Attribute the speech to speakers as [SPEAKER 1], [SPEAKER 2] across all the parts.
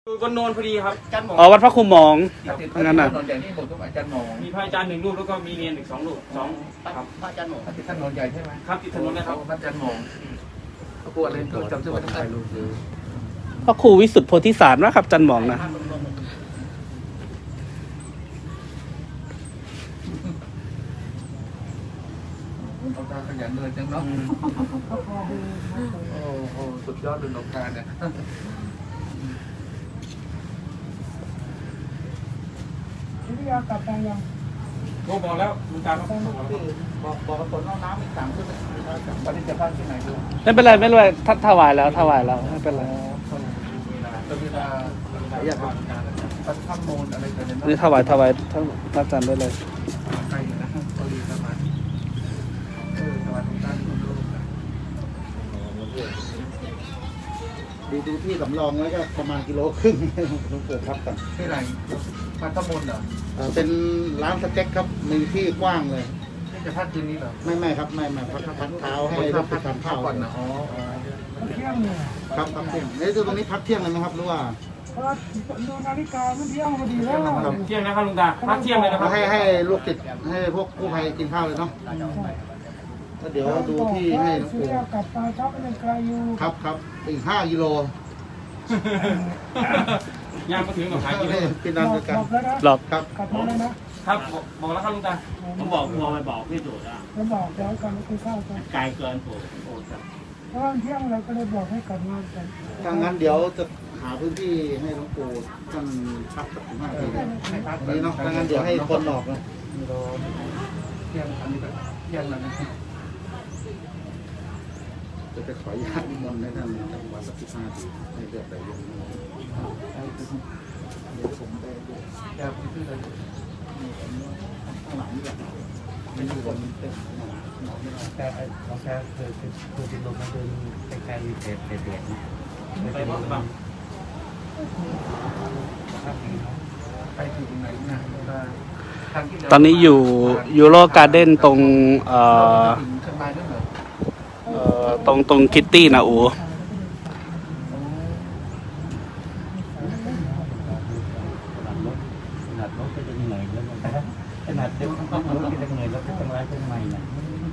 [SPEAKER 1] อยู่บนโนนพอดีครับอาจารย์หมอ
[SPEAKER 2] อ๋อวัดพระครูหมอง
[SPEAKER 3] งั้นน่ะนนใหญ่นี่ผมต้องอาจารย์หมอ
[SPEAKER 1] มีพระอาจารย์1 รูปแล้วก็มีเนียนอีก2 รูปครับ
[SPEAKER 4] พระอาจารย์หมอ
[SPEAKER 3] ที่ท่านนนใหญ่ใช่ไหม
[SPEAKER 1] ครับติดถนนนะครับ
[SPEAKER 3] อาจารย์หมอเขากลัวอะไรก็จำชื่อไว้ตั้งแต่
[SPEAKER 2] พระครูวิสุทธิโพธิสารนะครับจันหมองนะ
[SPEAKER 3] เอาตาขยันเลยจังเนาะโอ้โหสุดยอดเลยหลวงตาเนี่ย
[SPEAKER 4] ที่ยากลับไปยัง
[SPEAKER 1] โอ้บอกแล้วลุงตาครับ
[SPEAKER 3] บอกฝนเอาน้ำอีก3 ชุดปฏิจจภาพที่ไหนดู
[SPEAKER 2] ไม่เป็นไรไม่เป็นไรท่านถวายแล้วไม่เป็นไร
[SPEAKER 3] ตเวลาอยากทำปัดข้ามโมนอะไรกันเนี่ย
[SPEAKER 2] นี่ถวายท่านอาจารย์ได้เลย
[SPEAKER 3] ใครนะพอดีประมาณสวัสดีท่านทุกรูปนะ
[SPEAKER 5] ดูที่สำรองแล้วก็ประมาณ1.5 กิโลลุงเกิดครับกัน
[SPEAKER 3] ที่ไหนปัดข้ามโมนเหรอ
[SPEAKER 5] เป็นร้านสเต็กครับมีที่กว้างเลย
[SPEAKER 3] นี่จะพัดคืนนี้เหรอ
[SPEAKER 5] ไม่ครับไม่พักเท้าให้รถไปทานข้าว
[SPEAKER 3] ก่อนนะอ๋อ
[SPEAKER 4] เที่ยงเนี่ย
[SPEAKER 5] ครับพักเที่ยงตรงนี้พักเที่ยงเลยไหมครับหรือว่า
[SPEAKER 4] เพราะดูนาฬิกามันเที่ยงพอดีแล้ว
[SPEAKER 1] เที่ยงนะครับลุงตาพักเที่ยงเลยนะครับ
[SPEAKER 5] ให้ลูกติดให้พวกกู้ภัยกินข้าวเลยเนาะแล้วเดี๋ยวดูที่ให้หลวง
[SPEAKER 4] สุ
[SPEAKER 5] ปู่
[SPEAKER 4] ริยากลับมาชักมันยังไกลอยู่
[SPEAKER 5] ครับอีก5 กิโล
[SPEAKER 1] ย่างมาถึงหนองคายกินเลย
[SPEAKER 5] เป็นนันด้วยกัน
[SPEAKER 4] บอกแล้วนะ
[SPEAKER 2] หรอก
[SPEAKER 5] ครับ
[SPEAKER 4] กลับมาแล้วนะครับ
[SPEAKER 1] บอกแล้วครับลุงตา
[SPEAKER 6] ผมบอกกลัวไปบอกพี่สุดอ่ะ
[SPEAKER 4] แล้วบอกแล้วกันไม่คุยข้าวกัน
[SPEAKER 6] ไกลเกินผมโอ้จะ
[SPEAKER 4] เพราะว่าเที่ยงเราก็เลยบอกให้กลับมากัน
[SPEAKER 5] ถ้างั้นเดี๋ยวจะหาพื้นที่ให้หลวงปู่ท่านพักสัก15 นาทีนี้เนาะถ้างั้นเดี๋ยวให้คนออกนะ
[SPEAKER 3] เที่ยงอันนี้ก็เที่ยงแล้วนะ
[SPEAKER 5] จะไปขออนุญาตนิมนต์ให้ท่านจำวัดสัก15 นาทีให้เดือดไหลลงเดี๋ยวผมไปดู
[SPEAKER 3] แกพูดชื่ออะไร
[SPEAKER 5] ข้างหลังนี่แหละไม่อยู่บนเต็มหมอไม่ได้
[SPEAKER 6] แค่เราแค่คือเป็นลมมันเดินใกล้ๆเด็ดๆนะ
[SPEAKER 1] ไปพบบัง
[SPEAKER 3] ไปถึงไหนนะทางที่
[SPEAKER 2] ตอนนี้อยู่ยูโรการ์เด้นตรง
[SPEAKER 3] ถึงเชียงรายด้วยเหรอ
[SPEAKER 2] ตรงคิตตี้นะอู
[SPEAKER 6] ขนาดรถก็จะเหนื่อยแล้วมันขนาดเด็กรถก็จะเหนื่อยแล้วก็ต้องไล่ต้นไม้เนี่ย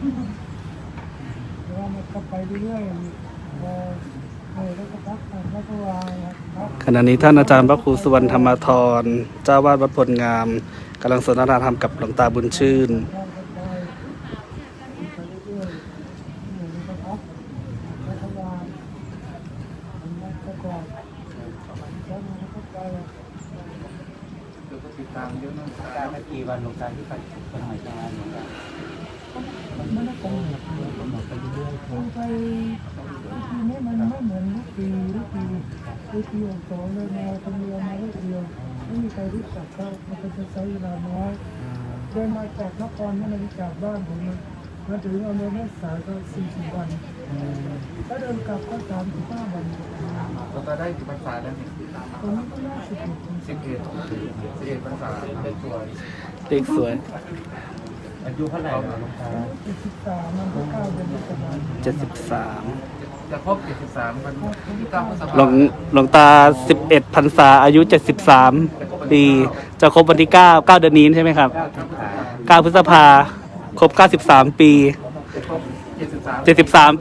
[SPEAKER 4] เพราะว่ามันก็ไปเรื่อยๆพอแล้วก็พักผ่อนแล้วก็วางครับ
[SPEAKER 2] ขณะนี้ท่านอาจารย์พระครูสุวรรณธรรมธรเจ้าวาดวัดพลงามกำลังสนทนาธรรมกับหลวงตาบุญชื่น
[SPEAKER 4] วางกันไปเรื่อยๆอยู่ในกระพักแล้วก็วางมันก็กรอบแล้วมันก็ไป
[SPEAKER 3] เดี๋ยวก็ติดตามเยอะนะ
[SPEAKER 6] การไม่กี่วันหลวงตาที่ไปคนใหม่จะมาหลวงตา
[SPEAKER 4] มันไม่กำหนด
[SPEAKER 6] ผมหมดไปเรื่อย
[SPEAKER 4] ลงไปทีนี้มันไม่เหมือนทุกปีสองเลยมาคนเดียวมาลูกเดียวไม่มีใครรู้จักเขามันก็จะใช้เวลาน้อยเดินมาจากนครไม่ได้จากบ้านผมมาถึงอำเภอแม่สายก็40 วันถ้าเดินกลับก็35 วัน
[SPEAKER 3] เราจะได้กี่ภาษาแล้วเนี่ย
[SPEAKER 4] ตอนนี้ก็น่า11
[SPEAKER 3] 11ภาษาเป็นสวย
[SPEAKER 2] เด็กสวย
[SPEAKER 6] อายุเท่าไหร่หลวงตา
[SPEAKER 4] 73มันก็9 เดือนก็ประมาณ
[SPEAKER 2] 73
[SPEAKER 3] จะครบ73วันที่9พฤษภาค
[SPEAKER 2] หลวงตา11 พรรษาอายุ 73 ปีจะครบวันที่9 เดือนนี้ใช่ไหมครับ9 พฤษภาครบ93 ปี
[SPEAKER 3] ครบ73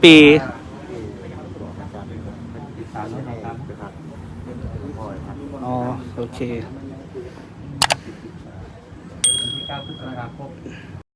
[SPEAKER 2] 73 ปี
[SPEAKER 6] ติดตามด้วยนะครับ
[SPEAKER 2] อ๋อโอเค
[SPEAKER 6] วันที่9 พฤษภาคม